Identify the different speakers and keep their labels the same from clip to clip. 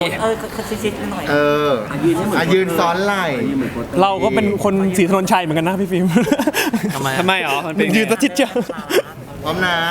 Speaker 1: ชิดๆหน่อย
Speaker 2: ยืนซ้อนไหล่
Speaker 3: เราก็เป็นคนศรีถนนชัยเหมือนกันนะพี่ฟิล์มทำไมอ๋อยืนตะทิดเจ้า
Speaker 2: พร้อมนะ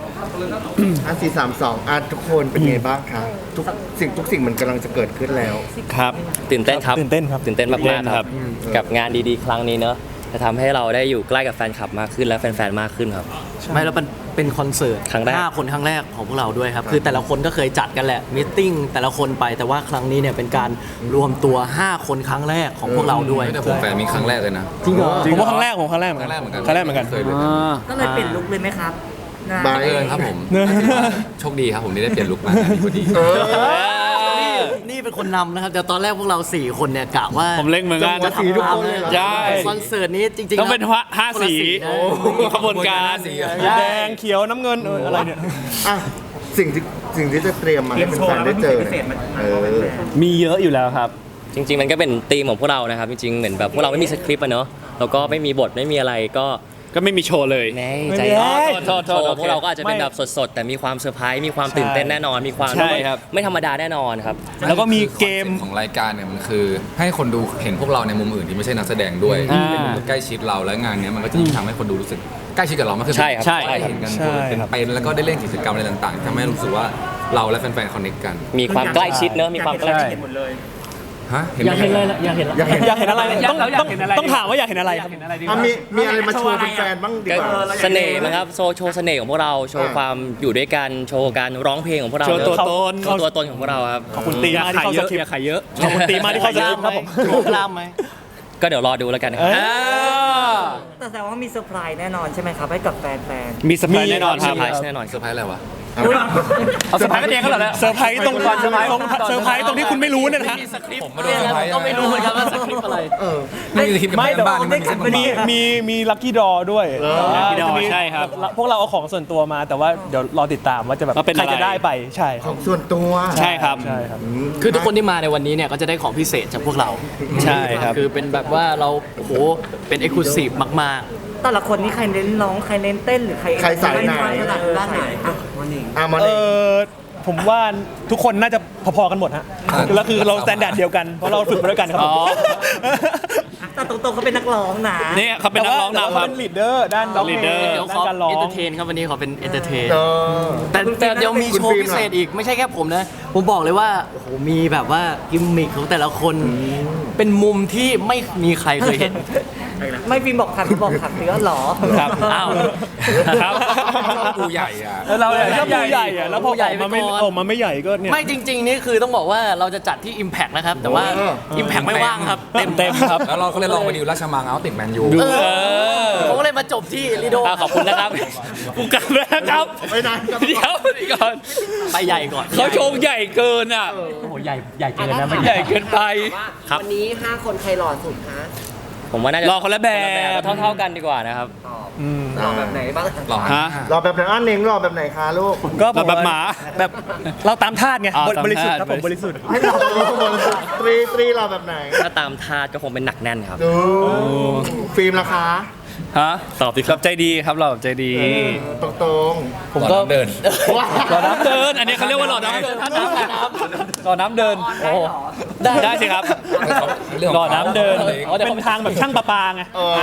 Speaker 2: 4 3 2ทุกคนเป็นไงบ้างคะทุกสิ่งมันกำลังจะเกิดขึ้นแล้ว
Speaker 4: ครับตื่นเต้นครับ
Speaker 3: ตื่นเต้น
Speaker 4: มากๆครับกับงานดีๆครั้งนี้เนอะจะทำให้เราได้อยู่ใกล้กับแฟนคลับมากขึ้นและแฟนๆมากขึ้นครับ
Speaker 5: ไม่แล้วเป็นคอนเสิร์ต
Speaker 4: ครั้งแรก
Speaker 5: 5 คนครั้งแรกของพวกเราด้วยครับคือแต่ละคนก็เคยจัดกันแหละมีตติ้งแต่ละคนไปแต่ว่าครั้งนี้เนี่ยเป็นการรวมตัว5 คนครั้งแรกของพวกเราด้วย
Speaker 6: แต่ผมแฟนมีครั้งแรกเลยนะ
Speaker 5: จริงเหรอ
Speaker 3: ผมว่าครั้งแรกเหมือนกันครั้งแรกเหมือนกัน
Speaker 1: ก็เลยเปลี่ยนลุคเลยไหมครับ
Speaker 6: บังเอิญครับผมโชคดีครับผมที่ได้เปลี่ยนลุคมาพอดี
Speaker 5: นี่เป็นคนนำนะครับแต่ตอนแรกพวกเรา4 คนเนี่ยกะว่า
Speaker 3: ผมเล่งเหมือนกัน
Speaker 2: จะสีทุกคนเลย
Speaker 3: ใช่
Speaker 5: คอนเสิร์ตนี้จริงๆ
Speaker 3: ต้องเป็น5 สีขบวนการแดงเขียวน้ำเงินอะไรเนี่ย
Speaker 2: สิ่งที่จะเตรียมมาให้แฟนๆได้เจอ
Speaker 3: มีเยอะอยู่แล้วครับ
Speaker 4: จริงๆมันก็เป็นธีมของพวกเรานะครับจริงๆเหมือนแบบพวกเราไม่มีสคริปต์อะเนอะแล้วก็ไม่มีบทไม่มีอะไรก็ไม่มีโชว์เลยใจโชว์พวกเราก็อาจจะเป็นแบบสดๆแต่มีความเซอร์ไพรส์มีความตื่นเต้นแน่นอนมีความไม่ธรรมดาแน่นอนครับ
Speaker 3: แล้วก็มีเกม
Speaker 6: ของรายการเนี่ยมันคือให้คนดูเห็นพวกเราในมุมอื่นที่ไม่ใช่นักแสดงด้วยเป็นมุมใกล้ชิดเราและงานนี้มันก็จะทำให้คนดูรู้สึกใกล้ชิดกับเรามากขึ้นได้เห็นกันเป็นแล้วก็ได้เล่นกิจกรรมอะไรต่างๆทำให้รู้สึกว่าเราและแฟนๆคอนเนคกัน
Speaker 4: มีความใกล้ชิดเนอะมีความใกล้ชิด
Speaker 5: อยากเห็นอะไรอยากเห็นอะไร
Speaker 3: ต้องถามว่าอยากเห็นอะไรครับ
Speaker 2: มีอะไรมาโชว์แฟนๆบ้างดีกว่า
Speaker 4: เสน่ห์นะครับโชว์เสน่ห์ของพวกเราโชว์ความอยู่ด้วยกันโชว์การร้องเพลงของพวกเรา
Speaker 3: โชว์ตัว
Speaker 4: ตนของพวกเราครับ
Speaker 3: ขอบคุณตีมาที่เข้าสคริปต์
Speaker 4: เยอะ
Speaker 3: ขอบคุณตีมาที่เข้าสคริปต์ครับผม
Speaker 5: กล้ามไหม
Speaker 4: ก็เดี๋ยวรอดูแล้วกันครับ
Speaker 1: แต่แสดงว่ามีเซอร์ไพรส์แน่นอนใช่ไหมครับให้กับแฟน
Speaker 3: ๆมีเซอร์ไพรส์แน่นอนครับ
Speaker 4: แน่นอน
Speaker 6: เซอร์ไพรส์อะไรวะ
Speaker 3: เอาเซอร์ไพรส์กันเองก็เหรอเนี่ยเซอร์ไพรส์ตรงที่คุณไม่รู้เนี่ยนะฮะ
Speaker 6: ผมมาดูเซอร์ไพรส์
Speaker 5: ก็ไม่รู้เหมือนกันว่าสคริปต์อะไร
Speaker 6: ไม่มีคลิปกับบ้าน
Speaker 3: มีลัคกี้ดอด้วยใช่ครับพวกเราเอาของส่วนตัวมาแต่ว่าเดี๋ยวรอติดตามว่าจะแบบใครจะได้ไปใช่
Speaker 2: ของส่วนตัว
Speaker 3: ใช่ครับ
Speaker 5: คือทุกคนที่มาในวันนี้เนี่ยก็จะได้ของพิเศษจากพวกเรา
Speaker 3: ใช่ครับ
Speaker 5: คือเป็นแบบว่าเราโอ้โหเป็นเอ็กซ์คลูซีฟมาก
Speaker 1: ๆแต่ละคนนี่ใครเน้นร้องใครเน้นเต้นหรือใคร
Speaker 2: สายไหน
Speaker 1: ด้านไหน
Speaker 2: มันเอง
Speaker 3: ผมว่าทุกคนน่าจะพอๆกันหมดฮะแล้วคือเราสแตนดาร์ดเดียวกันเพราะเราฝึกมาด้วยกันครับ
Speaker 1: แต่ตรงๆเขาเป็นนักร้องนะ
Speaker 3: นี่เขาเป็นนักร้องนำครับเป็นลีดเดอร์ด้านร้องเพลง
Speaker 5: การร้องเอนเตอร์เทนครับวันนี้เขาเป็นเอนเตอร์เทนแต่เดี๋ยวมีโชว์พิเศษอีกไม่ใช่แค่ผมนะผมบอกเลยว่าโอ้โหมีแบบว่ากิมมิคของแต่ละคนเป็นมุมที่ไม่มีใครเคยเห็น
Speaker 1: ไม่ฟิล์มบอกขัดเนื้อหรอ
Speaker 3: ครับอ้าวครับ
Speaker 6: ปูใหญ่อะ
Speaker 3: เราชอบปูใหญ่อะแล้วพอใหญ่มาไม่ใหญ่ก็เนี่ย
Speaker 5: ไม่จริงๆนี่คือต้องบอกว่าเราจะจัดที่ Impact นะครับแต่ว่า Impact ไม่ว่างครับเต็ม
Speaker 6: ครับแล้วเราก็เลยลองไปดิวราชมังเอาติดแมนยู
Speaker 5: ผมก็เลยมาจบที่ลีโด
Speaker 4: ขอบคุณนะครับ
Speaker 3: กูกลับแล้วครับ
Speaker 2: ไม่นาน
Speaker 3: เดี๋ยวก่อน
Speaker 5: ไปใหญ่ก่อน
Speaker 4: เขาโชว์ใหญ่เกินอ่ะ
Speaker 5: โอ้โหใหญ่เกินนะ
Speaker 4: ใหญ่เกินไป
Speaker 1: วันนี้5 คนใครหล่อสุดคะ
Speaker 4: ผมว่าน่าจะ
Speaker 3: รอคนละแบบ
Speaker 4: เท่ากันดีกว่านะครับ
Speaker 1: รอแบบไหนบ้าง
Speaker 2: รอแบบไหนเน่งรอแบบไหนคะลูก
Speaker 3: ก็แบบหมาแบบเราตามทาสไงบริสุทธิ์ครับผมบริสุทธิ์
Speaker 2: ให้เราบริสุทธิ์ตรีรอแบบไหน
Speaker 4: ถ้าตามทาสก็คงเป็นหนักแน่นครับ
Speaker 2: ฟิล์มราคา
Speaker 3: ตอบดีครับใจดีครับเราใจดี
Speaker 2: ตรง
Speaker 3: ผมก็
Speaker 6: เดิน
Speaker 3: หล่อน้ำเดินอันนี้เขาเรียกว่าหล่อน้ำเดินหล่อน้ำเดินโอ้ได้สิครับหล่อน้ำเดินเป็นทางแบบช่างประปาไง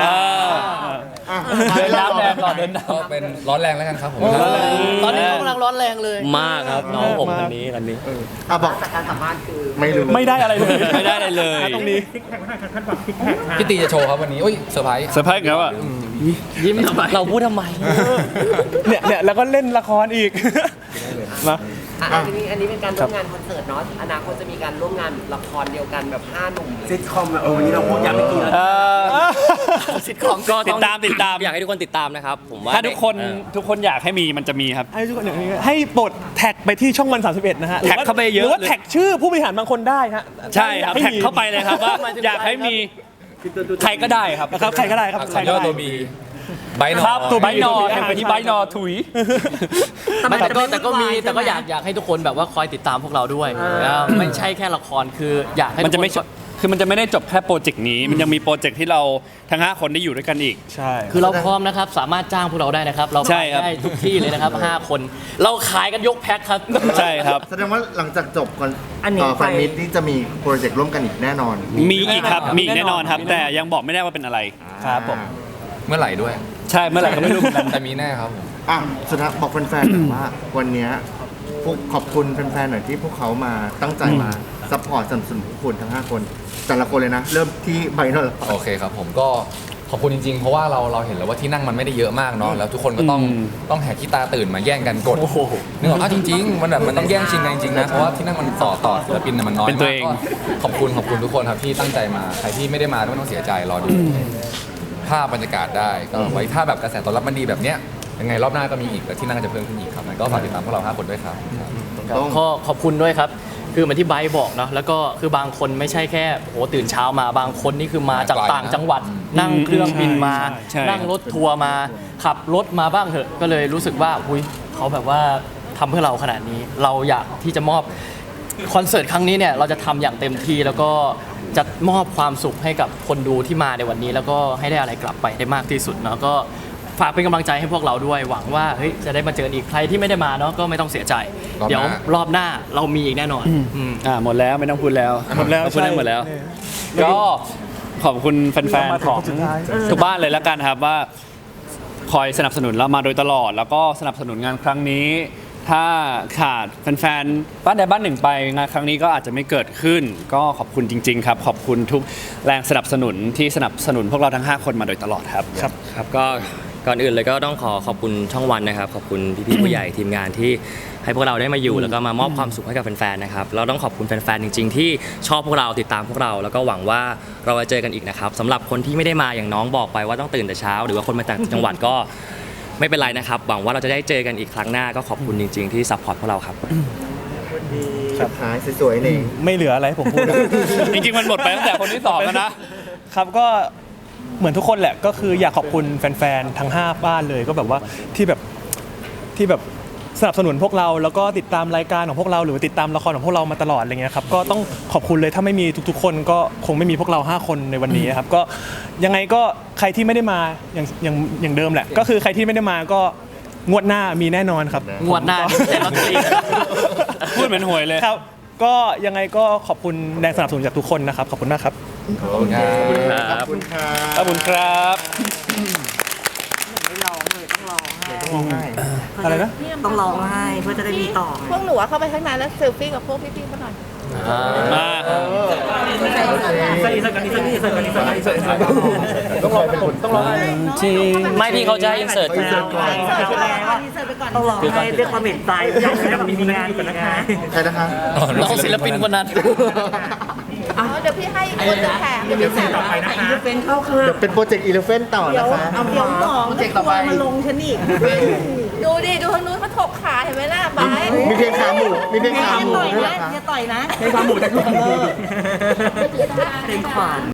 Speaker 3: เดินน้ำแรงหล่อเดินน้ำ
Speaker 6: เป็นร้อนแรงแล้วกันครับผม
Speaker 5: ตอนนี้กำลังร้อนแรงเลย
Speaker 4: มากครับน้องผมคนนี้
Speaker 2: บอก
Speaker 1: จากการสัมภาษณ์คือ
Speaker 3: ไม่ได้อะไรเลยไม่ได้อะไรเลยตรงนี้
Speaker 6: พี่ตีจะโชว์ครับวันนี้เซอร์ไพรส์
Speaker 3: ครับอ่ะ
Speaker 5: ยิ้มทำไม
Speaker 4: เราพูดทำไม
Speaker 3: เนี่ยแล้วก็เล่นละครอีก
Speaker 1: นะอันนี้เป็นการร่วมงานคอนเสิร์ตเนาะอนาคตจะมีการร่วมงานละครเดียวกันแบบ5 หนุ่มซิทคอมวันนี้เราพูดอย่างเมื่อกี้แล้ว
Speaker 4: ซิทคอมก็ติดตามอยากให้ทุกคนติดตามนะครับผมว่า
Speaker 3: ถ้าทุกคนอยากให้มีมันจะมีครับให้ทุกคนให้ปลดแท็กไปที่ช่องวัน31นะฮะ
Speaker 4: แท็กเข้าไปเยอะ
Speaker 3: หรือว่าแท็กชื่อผู้บริหารบางคนได้ฮะใช่ครับแท็กเข้าไปเลยครับว่าอยากให้มีใครก็ได้ครับใครก็ได้ครับ
Speaker 6: ใครก็ได้ตัวบี
Speaker 3: ใบนอครับตัวใบนอแข่งไปที่ใบนอถุย
Speaker 5: แต่ก็อยากให้ทุกคนแบบว่าคอยติดตามพวกเราด้วยไม่ใช่แค่ละครคืออยากให้มันจะไม่
Speaker 3: คือมันจะไม่ได้จบแค่โปรเจกต์นี้ มันยังมีโปรเจกต์ที่เราทั้ง 5 คนได้อยู่ด้วยกันอีก ใช่
Speaker 5: คือเราพร้อมนะครับ สามารถจ้างพวกเราได้นะครับ เรา
Speaker 3: ใช่
Speaker 5: ขาย
Speaker 3: ครับ
Speaker 5: ได้ทุกที่เลยนะครับ 5 คน เราขายกันยกแพ็คครับ
Speaker 3: ใช่ครับ
Speaker 2: แสดงว่าหลังจากจบก่อนแฟนมิตที่จะมีโปรเจกต์ร่วมกันอีกแน่นอน
Speaker 3: มีอีกครับมีอีกแน่นอนครับ แต่ยังบอกไม่ได้ว่าเป็นอะไรครับผม
Speaker 6: เมื่อไหร่ด้วย
Speaker 3: ใช่เมื่อไหร่ก็ไม่รู้เหมือนกัน
Speaker 6: แต่มีแน่ครับผม
Speaker 2: อ่ะสุดท้ายบอกแฟนๆหน่อยว่าวันเนี้ยพวกขอบคุณแฟนๆหน่อยที่พวกเขามาตั้งใจมาซัพพอร์ตสนับสนุนพวกคุณทั้ง 5 คน แต่ละคนเลยนะ เริ่มที่ใบหน่อย
Speaker 6: โอเคครับผมก็ขอบคุณจริงๆ เพราะว่าเราเห็นแล้วว่าที่นั่งมันไม่ได้เยอะมากเนาะแล้วทุกคนก็ต้องแหกขี้ตาตื่นมาแย่งกันกดนึกออกจริงๆมันต้องแย่งชิงกันจริงๆนะเพราะว่าที่นั่งมันต่อศิลปินน่ะมันน้อย
Speaker 3: เป็นตัว
Speaker 6: มาก
Speaker 3: เอง
Speaker 6: ก็ขอบคุณทุกคนครับที่ตั้งใจมาใครที่ไม่ได้มาไม่ต้องเสียใจรอดูภาพบรรยากาศได้ก็ไว้ถ้าแบบกระแสตอบรับมันดีแบบเนี้ยยังไงรอบหน้าก็มีอีกแต่ที่นั่งก็จะเพิ่มขึ้นอีกครับงั้นก็ฝากติดตามพวกเรา5 คนด้วยครับ
Speaker 5: ก็ขอบคุณด้วยครับ คือเหมือนที่ไบร์ทบอกเนาะแล้วก็คือบางคนไม่ใช่แค่โหตื่นเช้ามาบางคนนี่คือมาจาก
Speaker 6: ไกลนะ
Speaker 5: ต่างจังหวัด นั่งเครื่องบินมา
Speaker 3: ใช่
Speaker 5: นั่งรถทัวร์มาขับรถมาบ้างเถอะ ก็เลยรู้สึกว่าหุยเขาแบบว่าทำเพื่อเราขนาดนี้ เราอยากที่จะมอบคอนเสิร์ตครั้งนี้เนี่ยเราจะทำอย่างเต็มที่แล้วก็จะมอบความสุขให้กับคนดูที่มาในวันนี้ แล้วก็ให้ได้อะไรกลับไปได้มากที่สุดเนาะก็ฝากเป็นกำลังใจให้พวกเราด้วยหวังว่าเฮ้ยจะได้มาเจออีกใครที่ไม่ได้มาเนาะก็ไม่ต้องเสียใจ
Speaker 6: รอบหน้า
Speaker 5: เดี๋ยวรอบหน้าเรามีอีกแน่นอนอืม
Speaker 3: หมดแล้วไม่ต้องพูดแล้วหมดแล้วพูดได้หมดแล้ว ก็ขอบคุณแฟนๆของทุกบ้านเลยแล้วกันครับว่าคอยสนับสนุนเรามาโดยตลอด แล้วก็สนับสนุนงานครั้งนี้ ถ้าขาดแฟนๆบ้านใดบ้านหนึ่งไปงานครั้งนี้ก็อาจจะไม่เกิดขึ้น ก็ขอบคุณจริง ๆ ครับ ขอบคุณทุกแรงสนับสนุนที่สนับสนุนพวกเราทั้ง 5 คนมาโดยตลอดครับ
Speaker 4: ครับก็ก่อนอื่นเลยก็ต้องขอบคุณช่องวันนะครับขอบคุณพี่ๆผู้ใหญ่ทีมงานที่ให้พวกเราได้มาอยู่แล้วก็มามอบความสุขให้กับแฟนๆนะครับเราต้องขอบคุณแฟนๆจริง ๆ ที่ชอบพวกเราติดตามพวกเราแล้วก็หวังว่าเราจะเจอกันอีกนะครับสำหรับคนที่ไม่ได้มาอย่างน้องบอกไปว่าต้องตื่นแต่เช้า หรือว่าคนมาจากจังหวัดก็ไม่เป็นไรนะครับหวังว่าเราจะได้เจอกันอีกครั้งหน้าก็ขอบคุณจริง ๆ ที่ซัพพอร์ตพวกเราครับ
Speaker 2: สุดท้ายสวยๆนี่
Speaker 7: ไม่เหลืออะไรให้ผมพูด
Speaker 3: จริงๆมันหมดไปตั้งแต่คนที่2แล้วนะครับ
Speaker 7: ก็เหมือนทุกคนแหละก็คืออยากขอบคุณแฟนๆทั้ง5บ้านเลยก็แบบว่าที่แบบสนับสนุนพวกเราแล้วก็ติดตามรายการของพวกเราหรือติดตามละครของพวกเรามาตลอดอะไรเงี้ยครับก็ต้องขอบคุณเลยถ้าไม่มีทุกๆคนก็คงไม่มีพวกเรา5คนในวันนี้ครับก็ยังไงก็ใครที่ไม่ได้มาอย่างเดิมแหละก็คือใครที่ไม่ได้มาก็งวดหน้ามีแน่นอนครับ
Speaker 5: งวดหน้านี่แต่ลอตเตอรี่
Speaker 3: พูดเหมือนหวยเลย
Speaker 7: ครับก็ยังไงก็ขอบคุณแรงสนับสนุนจากทุกคนนะครับขอบคุณมากครับ
Speaker 2: โอเค
Speaker 3: ครับ
Speaker 2: ขอบคุณครับ
Speaker 3: ขอบคุณครับ
Speaker 7: อะไรนะ
Speaker 8: ต้องร้องไห้เพื่อจะได้มีต่อ
Speaker 9: พวกหนูอะเข้าไปข้างในแล้วเซลฟี่กับพวกพี่ๆเขาหน่อย
Speaker 3: มา
Speaker 2: ต้องรอเป็นคนต้องรอ
Speaker 5: ไม่พี่เขาจะอินเสิร์ต
Speaker 8: ต้องร้องไห้ด้วยความเห็นใจอยากมีงานก่อนนะคะ
Speaker 2: ใครนะคะ
Speaker 5: เราศิลปินคนนั้น
Speaker 9: เดี๋ยวพี่ให้อีกคนหนึ่งแถมเดี๋ยวพี่แถม
Speaker 8: ต่อไปนะคะเป็นเข้าค่ะ
Speaker 2: เดี๋ยวเป็นโปรเจกต์อีเลฟเฟนต่อนะคะ
Speaker 8: เอาเดี๋ยวหมองจะตัวมาลงฉันอีก
Speaker 9: ดูดิ ดูทางนู้นเขาถกขาเห็นไหมล่ะบาย
Speaker 2: มีเพลงขาหมูมีเพลงขาหมู
Speaker 8: ต่อย
Speaker 2: ด้วย
Speaker 8: นะ
Speaker 2: เหรอคะ
Speaker 8: อย่าต่อยนะ
Speaker 2: เพลงขาหมูจาก
Speaker 8: เพลงขวาน